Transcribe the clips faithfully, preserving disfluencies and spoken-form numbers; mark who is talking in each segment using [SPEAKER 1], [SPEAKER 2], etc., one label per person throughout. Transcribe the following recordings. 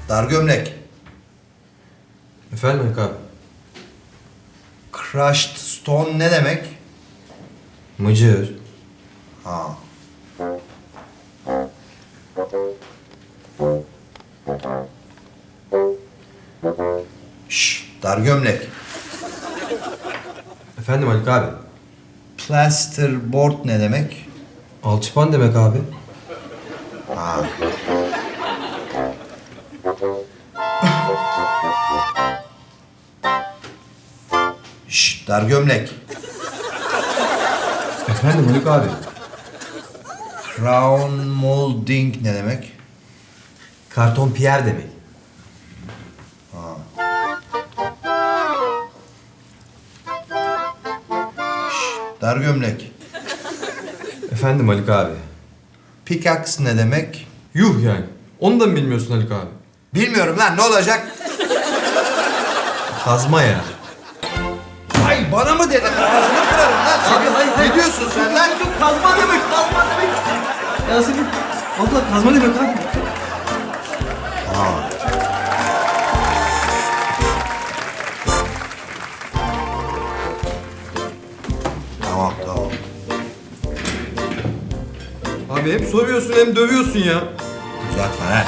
[SPEAKER 1] Dar gömlek.
[SPEAKER 2] Efendim Haluk abi?
[SPEAKER 1] Crushed stone ne demek?
[SPEAKER 2] Mıcır.
[SPEAKER 1] Ha. Şşş, dar gömlek.
[SPEAKER 2] Efendim Haluk abi?
[SPEAKER 1] Plasterboard ne demek?
[SPEAKER 2] Alçıpan demek abi.
[SPEAKER 1] Ha. Şşş, dar gömlek.
[SPEAKER 2] Efendim Haluk abi?
[SPEAKER 1] Crown molding ne demek?
[SPEAKER 2] Karton Pierre demek.
[SPEAKER 1] Dar gömlek.
[SPEAKER 2] Efendim Haluk abi?
[SPEAKER 1] Pickaxe ne demek?
[SPEAKER 2] Yuh yani. Onu da mı bilmiyorsun Haluk abi?
[SPEAKER 1] Bilmiyorum lan, ne olacak?
[SPEAKER 2] Kazma ya.
[SPEAKER 1] Ay bana mı dedin? Ağzını kırarım lan seni.
[SPEAKER 2] Abi, hayır, hayır.
[SPEAKER 1] Ne diyorsun sen lan?
[SPEAKER 2] Kazma demek, kazma demek. Ya senin... Valla kazma demek abi.
[SPEAKER 1] Tamam tamam.
[SPEAKER 2] Abi hem soruyorsun hem dövüyorsun ya.
[SPEAKER 1] Uzatma lan.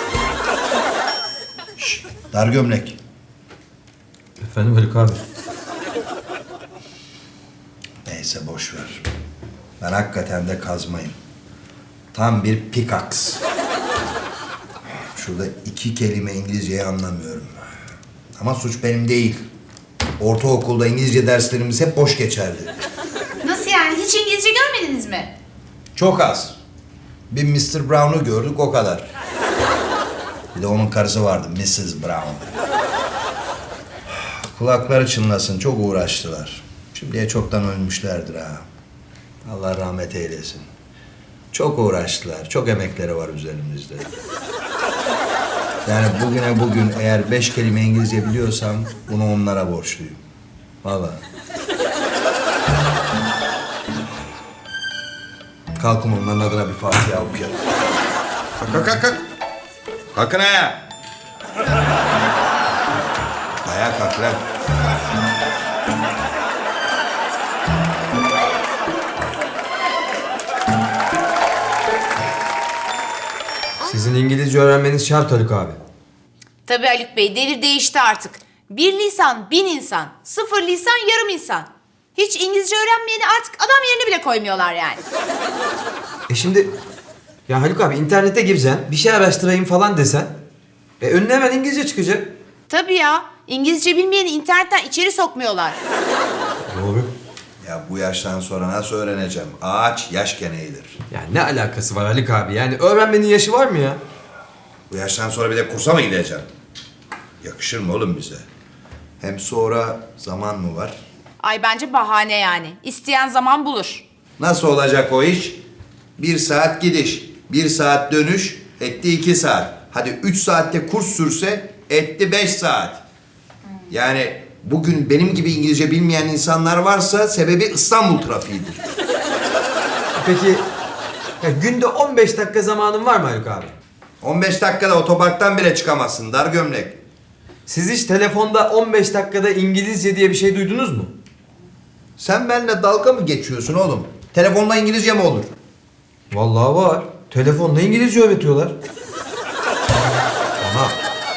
[SPEAKER 1] Şşş, dar gömlek.
[SPEAKER 2] Efendim Haluk abi?
[SPEAKER 1] Neyse boş ver. Ben hakikaten de kazmayım. Tam bir pickaxe. Şurada iki kelime İngilizceyi anlamıyorum. Ama suç benim değil. Ortaokulda İngilizce derslerimiz hep boş geçerdi.
[SPEAKER 3] Nasıl yani? Hiç İngilizce görmediniz mi?
[SPEAKER 1] Çok az. Bir mister Brown'u gördük, o kadar. Bir de onun karısı vardı, missus Brown. Kulakları çınlasın, çok uğraştılar. Şimdiye çoktan ölmüşlerdir ha. Allah rahmet eylesin. Çok uğraştılar, çok emekleri var üzerimizde. Yani bugüne bugün eğer beş kelime İngilizce biliyorsam bunu onlara borçluyum. Vallahi. Kalkın onların adına bir Fatiha okuyalım. Kalk kalk kalk kalk. Kalkın ayağa. Ayağa kalk lan.
[SPEAKER 2] Sizin İngilizce öğrenmeniz şart Haluk abi.
[SPEAKER 3] Tabii Haluk Bey, devir değişti artık. Bir lisan bin insan, sıfır lisan yarım insan. Hiç İngilizce öğrenmeyeni artık adam yerine bile koymuyorlar yani.
[SPEAKER 2] E şimdi... Ya Haluk abi internete gireceksin, bir şey araştırayım falan desen... E önüne hemen İngilizce çıkacak.
[SPEAKER 3] Tabii ya, İngilizce bilmeyeni internetten içeri sokmuyorlar.
[SPEAKER 2] Doğru.
[SPEAKER 1] Ya bu yaştan sonra nasıl öğreneceğim? Ağaç yaşken eğilir.
[SPEAKER 2] Ya ne alakası var Haluk abi? Yani öğrenmenin yaşı var mı ya?
[SPEAKER 1] Bu yaştan sonra bir de kursa mı gideceğim? Yakışır mı oğlum bize? Hem sonra zaman mı var?
[SPEAKER 3] Ay bence bahane yani. İsteyen zaman bulur.
[SPEAKER 1] Nasıl olacak o iş? Bir saat gidiş, bir saat dönüş, etti iki saat. Hadi üç saatte kurs sürse etti beş saat. Yani bugün benim gibi İngilizce bilmeyen insanlar varsa sebebi İstanbul trafiğidir.
[SPEAKER 2] Peki ya günde on beş dakika zamanın var mı Haluk abi?
[SPEAKER 1] on beş dakikada otoparktan bile çıkamazsın dar gömlek.
[SPEAKER 2] Siz hiç telefonda on beş dakikada İngilizce diye bir şey duydunuz mu?
[SPEAKER 1] Sen benimle dalga mı geçiyorsun oğlum? Telefonla İngilizce mi olur?
[SPEAKER 2] Vallahi var. Telefonda İngilizce öğretiyorlar.
[SPEAKER 1] Aha.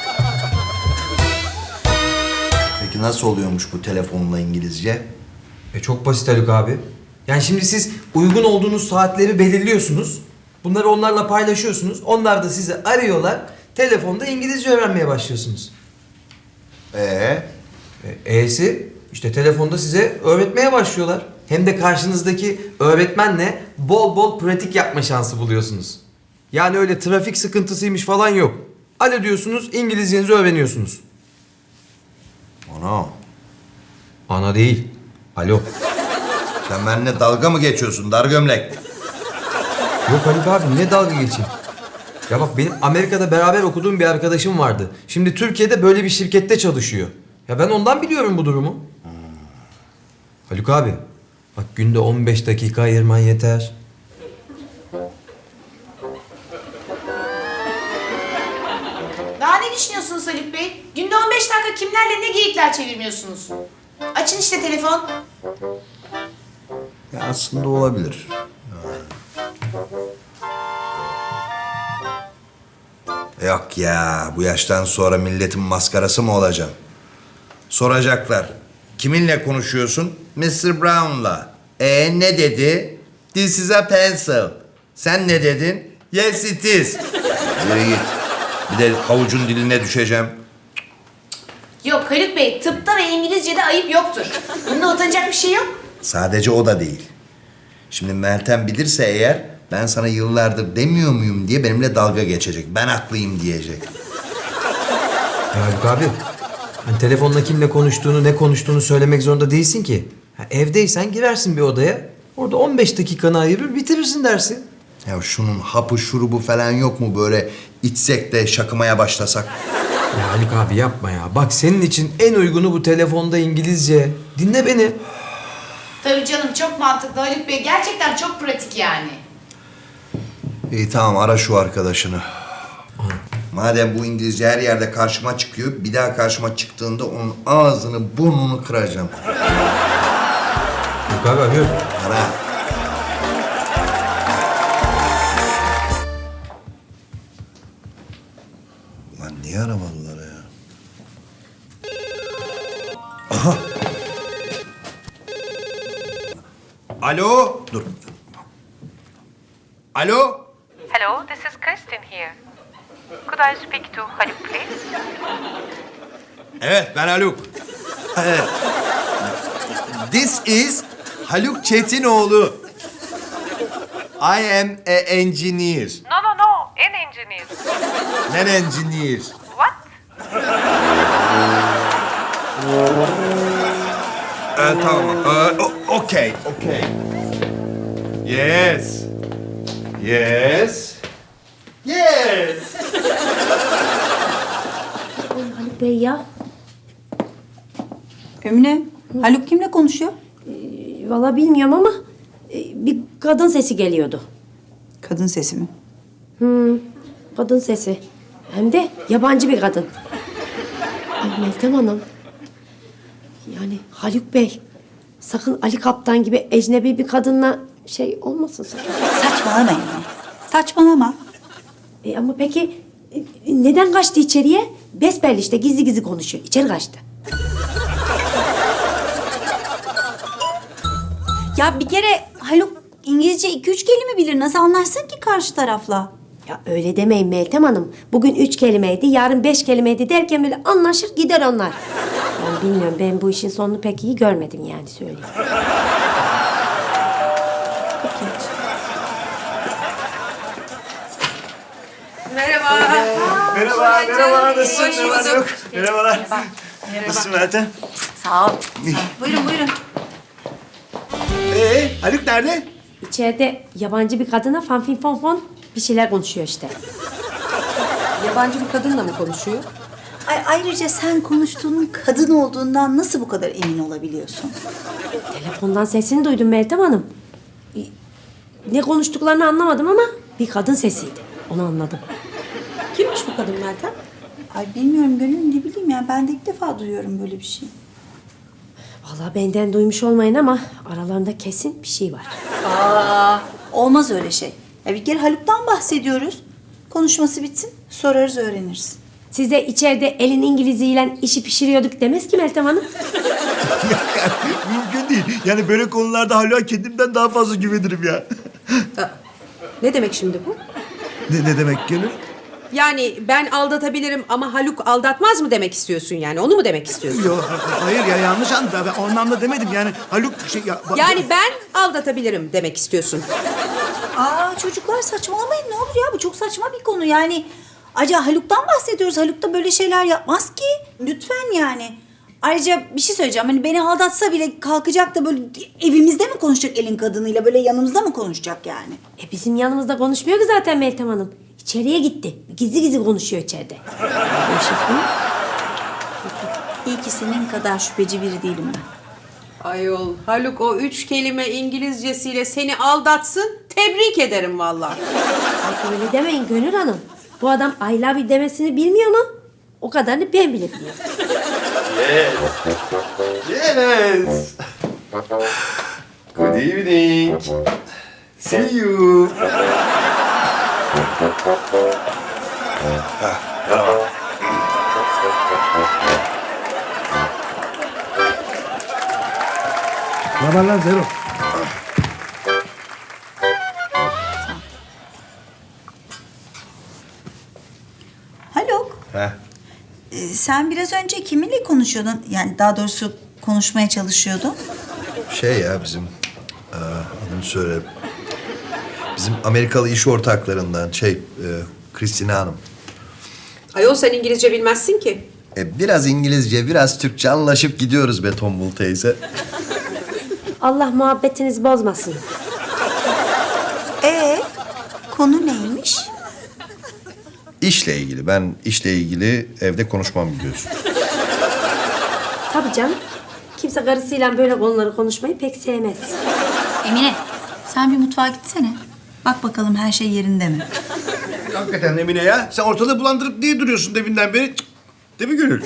[SPEAKER 1] Peki nasıl oluyormuş bu telefonla İngilizce?
[SPEAKER 2] E çok basit Haluk abi. Yani şimdi siz uygun olduğunuz saatleri belirliyorsunuz. Bunları onlarla paylaşıyorsunuz. Onlar da sizi arıyorlar. Telefonda İngilizce öğrenmeye başlıyorsunuz.
[SPEAKER 1] Ee?
[SPEAKER 2] E, E'si işte telefonda size öğretmeye başlıyorlar. Hem de karşınızdaki öğretmenle bol bol pratik yapma şansı buluyorsunuz. Yani öyle trafik sıkıntısıymış falan yok. Alo diyorsunuz, İngilizcenizi öğreniyorsunuz.
[SPEAKER 1] Ana.
[SPEAKER 2] Ana değil. Alo.
[SPEAKER 1] Sen benimle dalga mı geçiyorsun dar gömlek?
[SPEAKER 2] Yok Haluk abi ne dalga geçeyim. Ya bak benim Amerika'da beraber okuduğum bir arkadaşım vardı. Şimdi Türkiye'de böyle bir şirkette çalışıyor. Ya ben ondan biliyorum bu durumu. Hmm. Haluk abi bak günde on beş dakika ayırman yeter.
[SPEAKER 3] Daha ne düşünüyorsunuz Haluk Bey? Günde on beş dakika kimlerle ne geyikler çevirmiyorsunuz? Açın işte telefon.
[SPEAKER 1] Ya aslında olabilir. Yok ya, bu yaştan sonra milletin maskarası mı olacağım? Soracaklar. Kiminle konuşuyorsun? mister Brown'la. E ne dedi? This is a pencil. Sen ne dedin? Yes it is. Yürü git. Bir de havucun diline düşeceğim.
[SPEAKER 3] Yok Haluk Bey, tıpta ve İngilizce'de ayıp yoktur. Bunda utanacak bir şey yok.
[SPEAKER 1] Sadece o da değil. Şimdi Meltem bilirse eğer, ben sana yıllardır demiyor muyum diye benimle dalga geçecek. Ben haklıyım diyecek.
[SPEAKER 2] Ya Haluk abi, hani telefonla kimle konuştuğunu, ne konuştuğunu söylemek zorunda değilsin ki. Ha, evdeysen girersin bir odaya, orada on beş dakikanı ayırır bitirirsin dersi.
[SPEAKER 1] Ya şunun hapı şurubu falan yok mu böyle içsek de şakımaya başlasak?
[SPEAKER 2] Ya Haluk abi yapma ya. Bak senin için en uygunu bu telefonda İngilizce. Dinle beni.
[SPEAKER 3] Tabii canım, çok mantıklı Haluk Bey. Gerçekten çok pratik yani.
[SPEAKER 1] İyi tamam, ara şu arkadaşını. Madem bu İngilizce her yerde karşıma çıkıyor, bir daha karşıma çıktığında onun ağzını burnunu kıracağım.
[SPEAKER 2] Haluk abi arıyorum.
[SPEAKER 1] Ara. Lan niye aramadılar ya? Aha! Alo? Dur. Alo?
[SPEAKER 4] Hello, this is Kristin here. Could I speak to Haluk, please?
[SPEAKER 1] Evet, ben Haluk. Evet. This is Haluk Çetinoğlu. I am a engineer.
[SPEAKER 4] No, no, no, an engineer.
[SPEAKER 1] An engineer.
[SPEAKER 4] What?
[SPEAKER 1] Ee, tamam. Ee, o- okay, okay. Yes. Yes. Yes.
[SPEAKER 5] Haluk Bey ya.
[SPEAKER 6] Emine, Haluk kimle konuşuyor?
[SPEAKER 5] Vallahi bilmiyorum ama e, bir kadın sesi geliyordu.
[SPEAKER 6] Kadın sesi mi?
[SPEAKER 5] Hmm, kadın sesi. Hem de yabancı bir kadın. Ay Meltem Hanım. Yani Haluk Bey. Sakın Ali Kaptan gibi ecnebi bir kadınla şey olmasın sakın.
[SPEAKER 6] Saçmalama Emine. Saçmalama.
[SPEAKER 5] E, ama peki e, neden kaçtı içeriye? Besbelli işte gizli gizli konuşuyor. İçeri kaçtı.
[SPEAKER 6] Ya bir kere Haluk İngilizce iki üç kelime bilir. Nasıl anlarsın ki karşı tarafla?
[SPEAKER 5] Ya öyle demeyin Meltem Hanım. Bugün üç kelimeydi, yarın beş kelimeydi derken böyle anlaşır gider onlar. Ben bilmiyorum, ben bu işin sonunu pek iyi görmedim yani söyleyeyim.
[SPEAKER 3] Merhaba.
[SPEAKER 7] Merhaba, merhaba. Nasılsın? Ne var yok? Merhabalar. Nasılsın Meltem?
[SPEAKER 6] Sağ ol. Buyurun buyurun.
[SPEAKER 7] Ee, Haluk nerede?
[SPEAKER 5] İçeride yabancı bir kadına fanfin fon fon bir şeyler konuşuyor işte.
[SPEAKER 8] Yabancı bir kadınla mı konuşuyor?
[SPEAKER 6] Ay, ayrıca sen konuştuğunun kadın olduğundan nasıl bu kadar emin olabiliyorsun?
[SPEAKER 5] Telefondan sesini duydum Meltem Hanım. E, Ne konuştuklarını anlamadım ama bir kadın sesiydi. Onu anladım.
[SPEAKER 8] Kimmiş bu kadın Meltem?
[SPEAKER 6] Ay bilmiyorum Gönül, ne bileyim ya. Ben de ilk defa duyuyorum böyle bir şey.
[SPEAKER 5] Vallahi benden duymuş olmayın ama aralarında kesin bir şey var.
[SPEAKER 6] Aa, olmaz öyle şey. Ya bir kere Haluk'tan bahsediyoruz. Konuşması bitsin, sorarız, öğreniriz.
[SPEAKER 5] Siz de içeride elin İngiliziyle işi pişiriyorduk demez ki Meltem Hanım.
[SPEAKER 7] Mümkün değil. Yani böyle konularda Haluk'a kendimden daha fazla güvenirim ya.
[SPEAKER 8] Ne demek şimdi bu?
[SPEAKER 7] Ne, ne demek Gönül?
[SPEAKER 8] Yani ben aldatabilirim ama Haluk aldatmaz mı demek istiyorsun yani? Onu mu demek istiyorsun?
[SPEAKER 7] Yok, hayır ya, yanlış anladın. Ben o anlamda demedim. Yani Haluk şey... Ya, bak-
[SPEAKER 8] Yani ben aldatabilirim demek istiyorsun.
[SPEAKER 6] Aa çocuklar saçmalamayın ne olur ya. Bu çok saçma bir konu yani. Acaba Haluk'tan bahsediyoruz. Haluk da böyle şeyler yapmaz ki. Lütfen yani. Ayrıca bir şey söyleyeceğim. Hani beni aldatsa bile kalkacak da böyle evimizde mi konuşacak elin kadınıyla? Böyle yanımızda mı konuşacak yani?
[SPEAKER 5] E bizim yanımızda konuşmuyor ki zaten Meltem Hanım. İçeriye gitti. Gizli gizli konuşuyor içeride. Bu işin sonu.
[SPEAKER 6] İyi ki senin kadar şüpheci biri değilim ben.
[SPEAKER 8] Ayol Haluk o üç kelime İngilizcesiyle seni aldatsın. Tebrik ederim vallahi.
[SPEAKER 5] Ay öyle demeyin Gönül Hanım. Bu adam I love you demesini bilmiyor mu? O kadarını ben bile biliyorum.
[SPEAKER 7] Yes. Good evening. See you.
[SPEAKER 1] Ne haber lan Zero?
[SPEAKER 6] Haluk,
[SPEAKER 1] He.
[SPEAKER 6] e, sen biraz önce kiminle konuşuyordun? Yani daha doğrusu konuşmaya çalışıyordun.
[SPEAKER 1] Şey ya bizim... Aa, adını söyle. Bizim Amerikalı iş ortaklarından şey... E, Christina Hanım.
[SPEAKER 8] Ayol sen İngilizce bilmezsin ki.
[SPEAKER 1] E, biraz İngilizce, biraz Türkçe anlaşıp gidiyoruz be Tombul teyze.
[SPEAKER 5] Allah muhabbetinizi bozmasın.
[SPEAKER 6] Ee, konu neymiş?
[SPEAKER 1] İşle ilgili. Ben işle ilgili evde konuşmam biliyorsun.
[SPEAKER 5] Tabii canım. Kimse karısıyla böyle konuları konuşmayı pek sevmez.
[SPEAKER 6] Emine, sen bir mutfağa gitsene. Bak bakalım her şey yerinde mi?
[SPEAKER 7] Hakikaten Emine ya. Sen ortalığı bulandırıp niye duruyorsun deminden beri? Cık. Değil mi Gönül?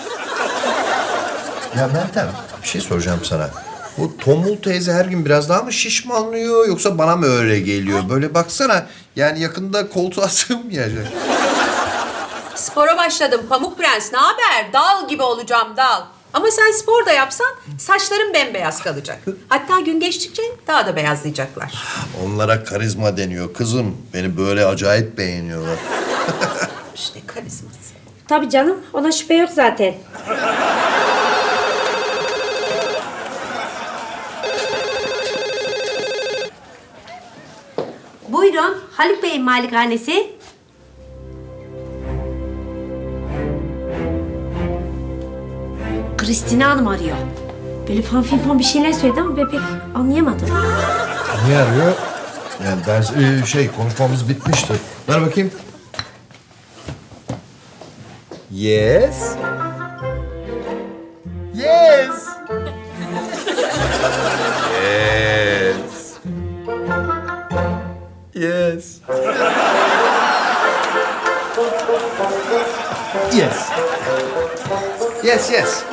[SPEAKER 1] Ya Meltem, bir şey soracağım sana. Bu Tombul teyze her gün biraz daha mı şişmanlıyor yoksa bana mı öyle geliyor? Böyle baksana, yani yakında koltuğa sığmayacak.
[SPEAKER 8] Spora başladım Pamuk Prens. Ne haber? Dal gibi olacağım dal. Ama sen spor da yapsan saçların bembeyaz kalacak. Hatta gün geçtikçe daha da beyazlayacaklar.
[SPEAKER 1] Onlara karizma deniyor kızım. Beni böyle acayip beğeniyorlar.
[SPEAKER 8] İşte karizması.
[SPEAKER 5] Tabii canım. Ona şüphe yok zaten. Buyurun. Haluk Bey'in malikanesi. Christina Hanım arıyor. Böyle fan fin fan bir şeyler söyledi ama ben pek anlayamadım.
[SPEAKER 1] Niye arıyor? Yani ben e, şey konuşmamız bitmişti. Ver bakayım. Yes. Yes. Yes. Yes. Yes. Yes, yes.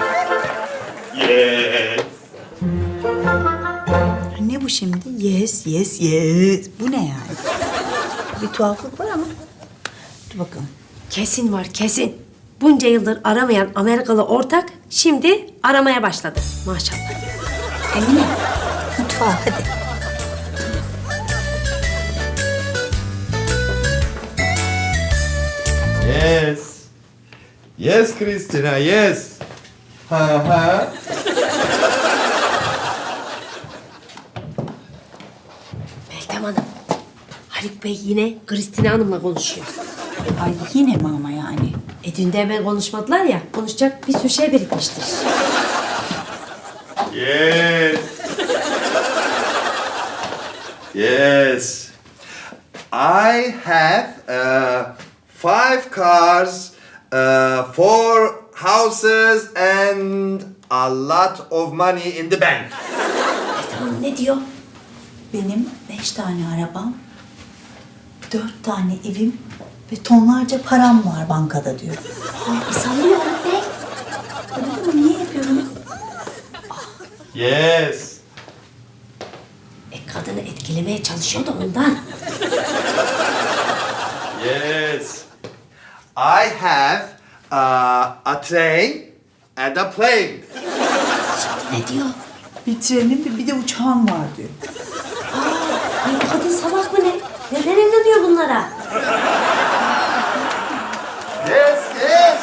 [SPEAKER 6] Ne bu şimdi? Yes, yes, yes. Bu ne yani? Bir tuhaflık var ama. Dur bakalım.
[SPEAKER 5] Kesin var kesin. Bunca yıldır aramayan Amerikalı ortak şimdi aramaya başladı. Maşallah.
[SPEAKER 6] Emine, mutfağa hadi.
[SPEAKER 7] Yes. Yes Christina, yes. Ha ha.
[SPEAKER 5] Meltem Hanım. Haluk Bey yine Christina Hanım'la konuşuyor.
[SPEAKER 6] Ay yine mi ama yani?
[SPEAKER 5] E dün de hemen konuşmadılar ya. Konuşacak bir sürü şey birikmiştir.
[SPEAKER 7] Yes. Yes. I have uh, five cars, uh, four houses and a lot of money in the bank.
[SPEAKER 5] Tamam ne diyor?
[SPEAKER 6] Benim beş tane arabam, dört tane evim ve tonlarca param var bankada diyor.
[SPEAKER 5] Aa, e, sallıyor Haluk Bey.
[SPEAKER 6] Öyle mi? Niye yapıyorum?
[SPEAKER 7] Yes.
[SPEAKER 5] E kadını etkilemeye çalışıyor da ondan.
[SPEAKER 7] Yes. I have uh, a train and a plane.
[SPEAKER 5] Ne diyor?
[SPEAKER 6] Bir trenim ve bir de uçağım var diyor.
[SPEAKER 5] Ay bu kadın salak mı ne? Neden inanıyor bunlara?
[SPEAKER 7] Yes, yes.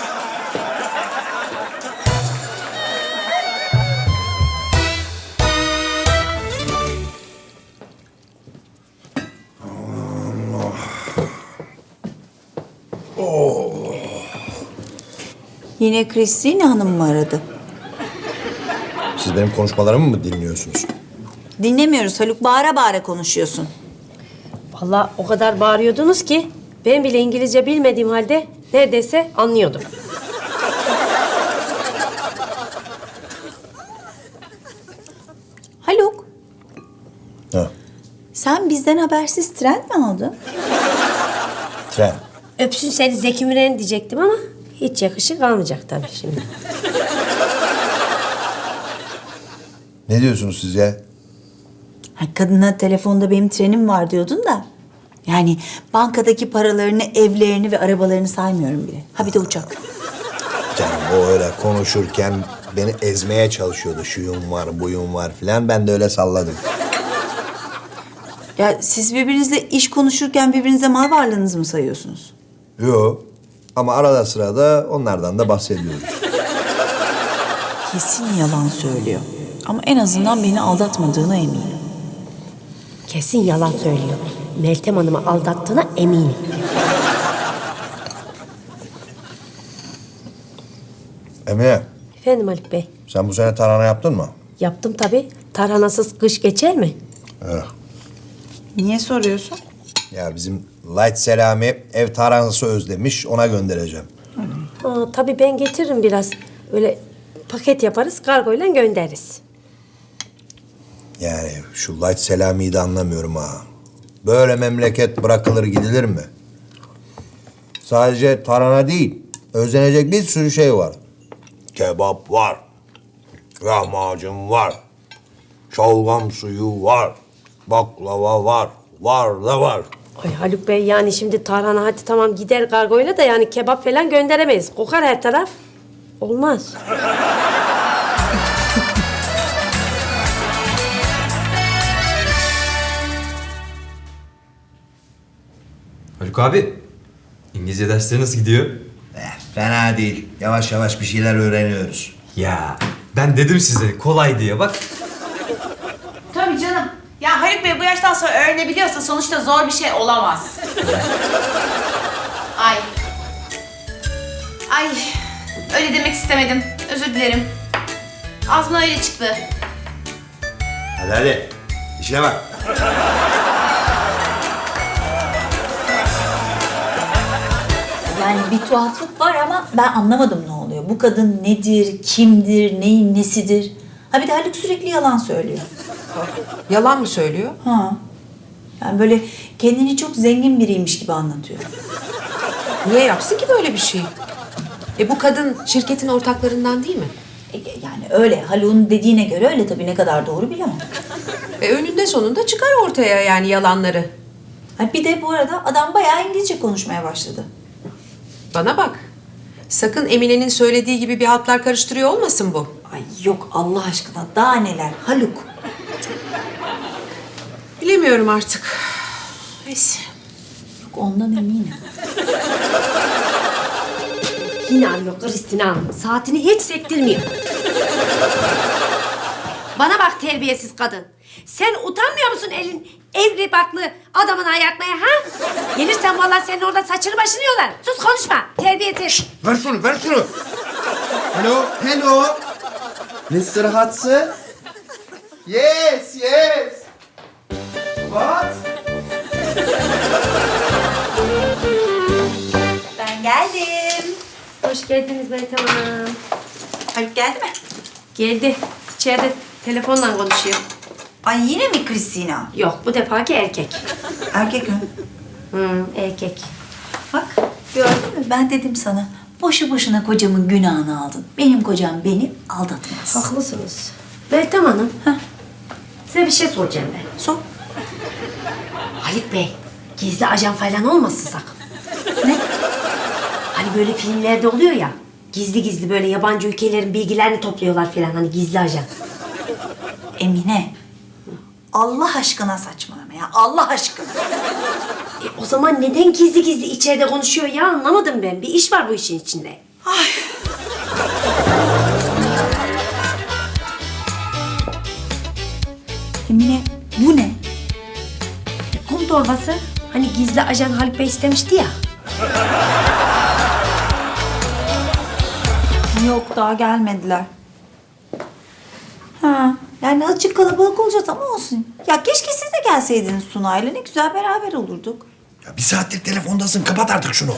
[SPEAKER 6] Yine Christina Hanım mı aradı?
[SPEAKER 1] Siz benim konuşmalarımı mı dinliyorsunuz?
[SPEAKER 6] Dinlemiyoruz Haluk. Bağıra bağıra konuşuyorsun.
[SPEAKER 5] Vallahi o kadar bağırıyordunuz ki ben bile İngilizce bilmediğim halde neredeyse anlıyordum.
[SPEAKER 6] Haluk,
[SPEAKER 1] Ha,
[SPEAKER 6] sen bizden habersiz tren mi aldın?
[SPEAKER 1] tren.
[SPEAKER 5] öpsün seni Zeki Müren diyecektim ama hiç yakışık almayacak tabii şimdi.
[SPEAKER 1] Ne diyorsunuz siz ya?
[SPEAKER 6] Ha, kadına telefonda benim trenim var diyordun da. Yani bankadaki paralarını, evlerini ve arabalarını saymıyorum bile. Ha bir de uçak.
[SPEAKER 1] Canım o öyle konuşurken beni ezmeye çalışıyordu. Şuyum var, buyum var filan. Ben de öyle salladım.
[SPEAKER 6] Ya siz birbirinizle iş konuşurken birbirinize mal varlığınızı mı sayıyorsunuz?
[SPEAKER 1] Yo. Ama arada sırada onlardan da bahsediyoruz.
[SPEAKER 6] Kesin yalan söylüyor. Ama en azından beni aldatmadığına eminim.
[SPEAKER 5] Kesin yalan söylüyor. Meltem Hanım'ı aldattığına eminim.
[SPEAKER 1] Emine,
[SPEAKER 5] Efendim Haluk Bey.
[SPEAKER 1] sen bu sene tarhana yaptın mı?
[SPEAKER 5] Yaptım tabii. Tarhanasız kış geçer mi?
[SPEAKER 1] Evet.
[SPEAKER 6] Niye soruyorsun?
[SPEAKER 1] Ya bizim Light Selami ev tarhanası özlemiş, ona göndereceğim.
[SPEAKER 5] Ha, tabii ben getiririm biraz. Öyle paket yaparız, kargoyla göndeririz.
[SPEAKER 1] Yani şu Light Selami'yi de anlamıyorum ha. Böyle memleket bırakılır gidilir mi? Sadece tarhana değil, özlenecek bir sürü şey var. Kebap var, lahmacun var, şalgam suyu var, baklava var, var da var.
[SPEAKER 5] Ay Haluk Bey yani şimdi tarhana hadi tamam gider kargoyla da yani kebap falan gönderemeyiz. Kokar her taraf. Olmaz.
[SPEAKER 2] Haluk abi, İngilizce dersleri nasıl gidiyor?
[SPEAKER 1] Eh, fena değil. Yavaş yavaş bir şeyler öğreniyoruz.
[SPEAKER 2] Ya ben dedim size kolay diye bak.
[SPEAKER 3] Tabii canım. Ya Haluk Bey bu yaştan sonra öğrenebiliyorsa sonuçta zor bir şey olamaz. Ay. Ay. Öyle demek istemedim. Özür dilerim. Ağzımdan öyle çıktı.
[SPEAKER 1] Hadi hadi, işine bak.
[SPEAKER 6] Yani bir tuhaflık var ama ben anlamadım ne oluyor. Bu kadın nedir, kimdir, neyin nesidir? Ha bir de Haluk sürekli yalan söylüyor.
[SPEAKER 8] Yalan mı söylüyor?
[SPEAKER 6] Ha. Yani böyle kendini çok zengin biriymiş gibi anlatıyor.
[SPEAKER 8] Niye yapsın ki böyle bir şey? E bu kadın şirketin ortaklarından değil mi?
[SPEAKER 6] E, yani öyle. Haluk'un dediğine göre öyle tabii, ne kadar doğru bilemem.
[SPEAKER 8] E önünde sonunda çıkar ortaya yani yalanları.
[SPEAKER 6] Ha bir de bu arada adam bayağı İngilizce konuşmaya başladı.
[SPEAKER 8] Bana bak. Sakın Emine'nin söylediği gibi bir hatlar karıştırıyor olmasın bu.
[SPEAKER 6] Ay yok Allah aşkına, daha neler Haluk.
[SPEAKER 8] Bilemiyorum artık. Neyse.
[SPEAKER 6] Yok ondan eminim.
[SPEAKER 5] Yine arıyor Kristina Hanım. Saatini hiç sektirmiyor. Bana bak terbiyesiz kadın. Sen utanmıyor musun elin evli baklı adamını ayartmaya ha? Gelirsen vallahi senin orada saçını başını yolar. Sus konuşma. Terbiyesiz.
[SPEAKER 1] Ver şunu, ver şunu. Hello, hello. mister Hudson? Yes, yes. What?
[SPEAKER 6] Ben geldim.
[SPEAKER 5] Hoş geldiniz Meltem Hanım.
[SPEAKER 6] Haluk geldi mi?
[SPEAKER 5] Geldi. İçeride telefonla konuşuyor.
[SPEAKER 6] Ay yine mi Kristina?
[SPEAKER 5] Yok bu defaki erkek.
[SPEAKER 6] Erkek mi?
[SPEAKER 5] Hı, erkek.
[SPEAKER 6] Bak gördün mü, ben dedim sana. Boşu boşuna kocamın günahını aldın. Benim kocam beni aldatmaz.
[SPEAKER 5] Haklısınız. Meltem Hanım.
[SPEAKER 6] Heh.
[SPEAKER 5] Size bir şey soracağım ben.
[SPEAKER 6] Sor.
[SPEAKER 5] Haluk Bey, gizli ajan falan olmasın sakın.
[SPEAKER 6] Ne?
[SPEAKER 5] Hani böyle filmlerde oluyor ya, gizli gizli böyle yabancı ülkelerin bilgilerini topluyorlar falan hani gizli ajan.
[SPEAKER 6] Emine. Allah aşkına saçmalama ya. Allah aşkına.
[SPEAKER 5] E, o zaman neden gizli gizli içeride konuşuyor ya anlamadım ben. Bir iş var bu işin içinde.
[SPEAKER 6] Ay. Emine bu ne?
[SPEAKER 5] Kum torbası. Hani gizli ajan Haluk Bey istemişti ya.
[SPEAKER 6] Yok daha gelmediler. Ha, yani azıcık kalabalık olacağız ama olsun. Ya keşke siz de gelseydiniz Sunay'la, ne güzel beraber olurduk.
[SPEAKER 1] Ya bir saattir telefondasın, kapat artık şunu.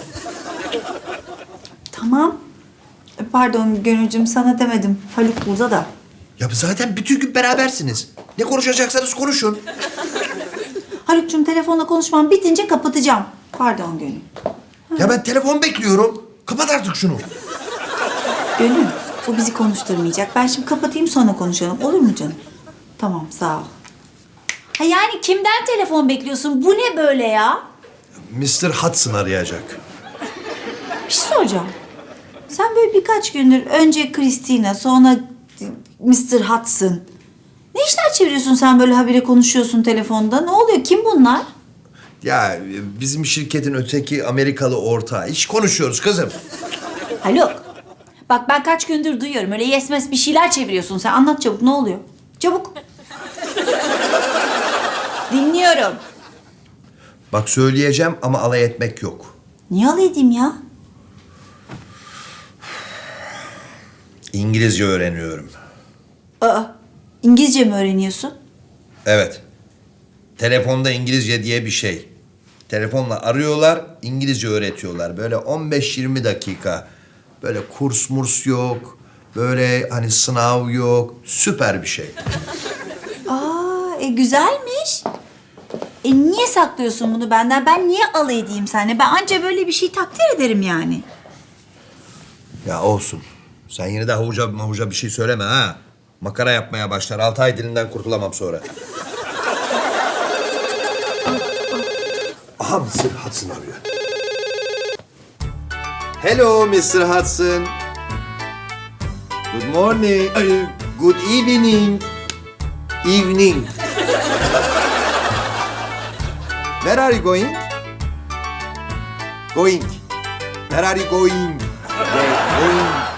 [SPEAKER 6] Tamam. E, Pardon Gönülcüm, sana demedim. Haluk burada da.
[SPEAKER 1] Ya zaten bütün gün berabersiniz. Ne konuşacaksanız konuşun.
[SPEAKER 6] Haluk'cum telefonla konuşmam bitince kapatacağım. Pardon Gönül. Ha.
[SPEAKER 1] Ya ben telefon bekliyorum. Kapat artık şunu.
[SPEAKER 6] Gönül, bu bizi konuşturmayacak. Ben şimdi kapatayım sonra konuşalım. Olur mu canım? Tamam, sağ ol. Ha yani kimden telefon bekliyorsun? Bu ne böyle ya?
[SPEAKER 1] mister Hudson arayacak.
[SPEAKER 6] Bir şey soracağım. Sen böyle birkaç gündür önce Christina, sonra mister Hudson. Ne işler çeviriyorsun sen böyle habire konuşuyorsun telefonda? Ne oluyor? Kim bunlar?
[SPEAKER 1] Ya bizim şirketin öteki Amerikalı ortağı. İş konuşuyoruz kızım.
[SPEAKER 6] Haluk. Bak ben kaç gündür duyuyorum. Öyle yesmez bir şeyler çeviriyorsun sen. Anlat çabuk, ne oluyor? Çabuk. Dinliyorum.
[SPEAKER 1] Bak söyleyeceğim ama alay etmek yok.
[SPEAKER 6] Niye alay edeyim ya?
[SPEAKER 1] İngilizce öğreniyorum.
[SPEAKER 6] Aa, İngilizce mi öğreniyorsun?
[SPEAKER 1] Evet. Telefonda İngilizce diye bir şey. Telefonla arıyorlar, İngilizce öğretiyorlar. Böyle on beş yirmi dakika. Böyle kurs murs yok. Böyle hani sınav yok. Süper bir şey.
[SPEAKER 6] Aa, e, güzelmiş. E niye saklıyorsun bunu benden? Ben niye alay edeyim seninle? Ben anca böyle bir şey takdir ederim yani.
[SPEAKER 1] Ya olsun. Sen yine de havuca mavuca bir şey söyleme ha. Makara yapmaya başlar. Altı ay dilinden kurtulamam sonra. Aha mister Hudson arıyor. Hello mister Hudson. Good morning. Ay, good evening. Evening. Where are you going? Going. Where are you going? Going.